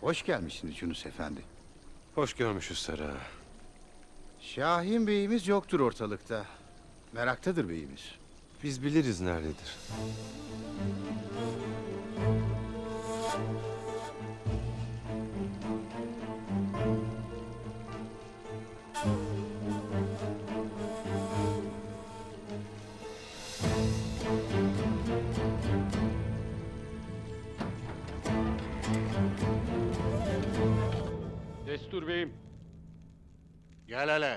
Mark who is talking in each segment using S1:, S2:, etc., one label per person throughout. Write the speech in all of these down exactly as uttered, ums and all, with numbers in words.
S1: Hoş gelmişsiniz Yunus Efendi.
S2: Hoş görmüşüz Sara.
S1: Şahin Bey'imiz yoktur ortalıkta. Meraktadır beyimiz.
S2: Biz biliriz nerededir.
S3: Destur beyim.
S4: Gel hele.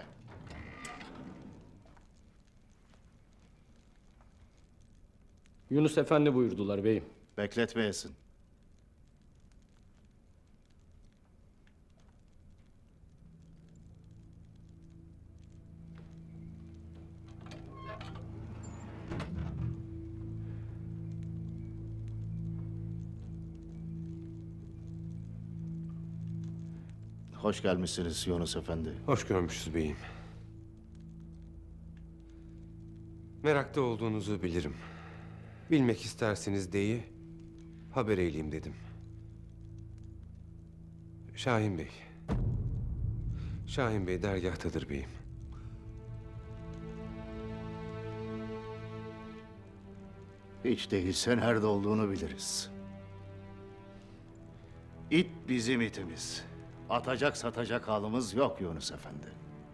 S3: Yunus Efendi buyurdular beyim.
S4: Bekletmeyesin. Hoş gelmişsiniz Yunus Efendi.
S2: Hoş görmüşüz beyim. Merakta olduğunuzu bilirim. Bilmek isterseniz deyi haber eyleyeyim dedim. Şahin Bey. Şahin Bey dergahtadır beyim.
S4: Hiç değilse nerede olduğunu biliriz. İt bizim itimiz. Atacak satacak halimiz yok Yunus Efendi.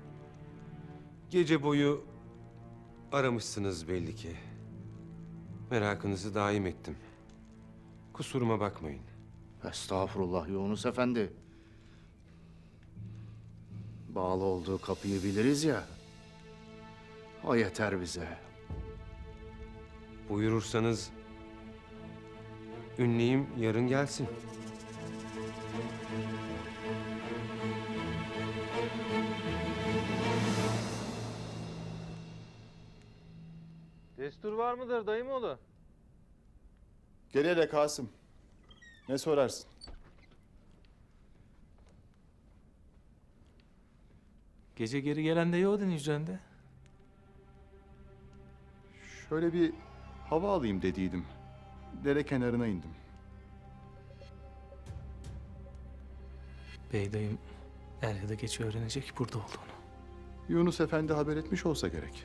S2: Gece boyu aramışsınız belli ki. Merakınızı daim ettim. Kusuruma bakmayın.
S4: Estağfurullah Yunus Efendi. Bağlı olduğu kapıyı biliriz ya. O yeter bize.
S2: Buyurursanız ünleyim yarın gelsin.
S5: Destur var mıdır dayımoğlu?
S6: Gel hele Kasım. Ne sorarsın?
S7: Gece geri gelen de yoğdun hücrende.
S6: Şöyle bir hava alayım dediydim. Dere kenarına indim.
S7: Bey dayım er ya da geç öğrenecek burada olduğunu.
S6: Yunus Efendi haber etmiş olsa gerek.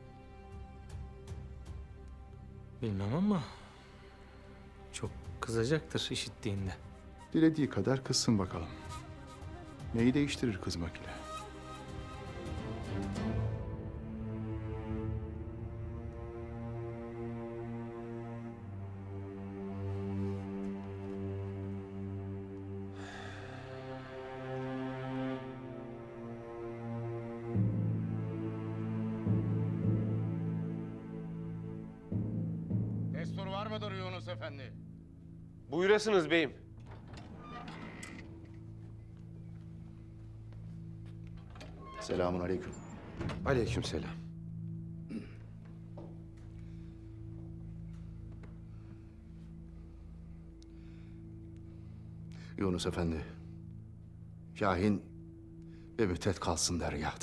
S7: Bilmem ama çok kızacaktır işittiğinde.
S6: Dilediği kadar kızsın bakalım. Neyi değiştirir kızmak ile?
S4: Destur var mıdır Yunus Efendi?
S2: Buyurasınız beyim.
S4: Selamun aleyküm.
S2: Aleykümselam.
S4: Yunus Efendi. Şahin bir müddet kalsın dergâhta.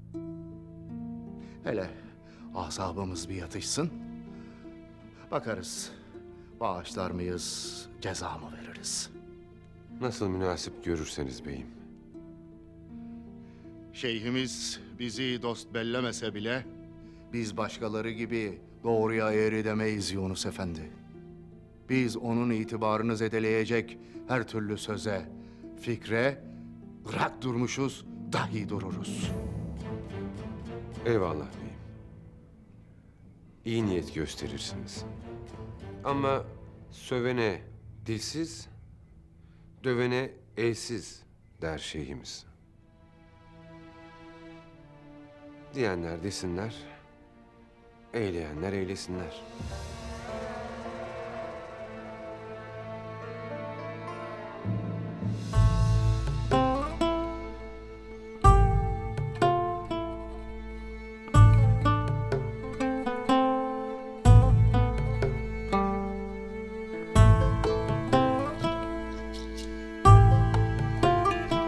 S4: Hele asabımız bir yatışsın. Bakarız. Bağışlar mıyız, ceza mı veririz?
S2: Nasıl münasip görürseniz beyim.
S4: Şeyhimiz bizi dost bellemese bile biz başkaları gibi doğruya eğri demeyiz Yunus Efendi. Biz onun itibarını zedeleyecek her türlü söze, fikre bırak durmuşuz, dahi dururuz.
S2: Eyvallah beyim. İyi niyet gösterirsiniz. Ama sövene dilsiz, dövene elsiz der şeyhimiz. Diyenler desinler, eyleyenler eylesinler.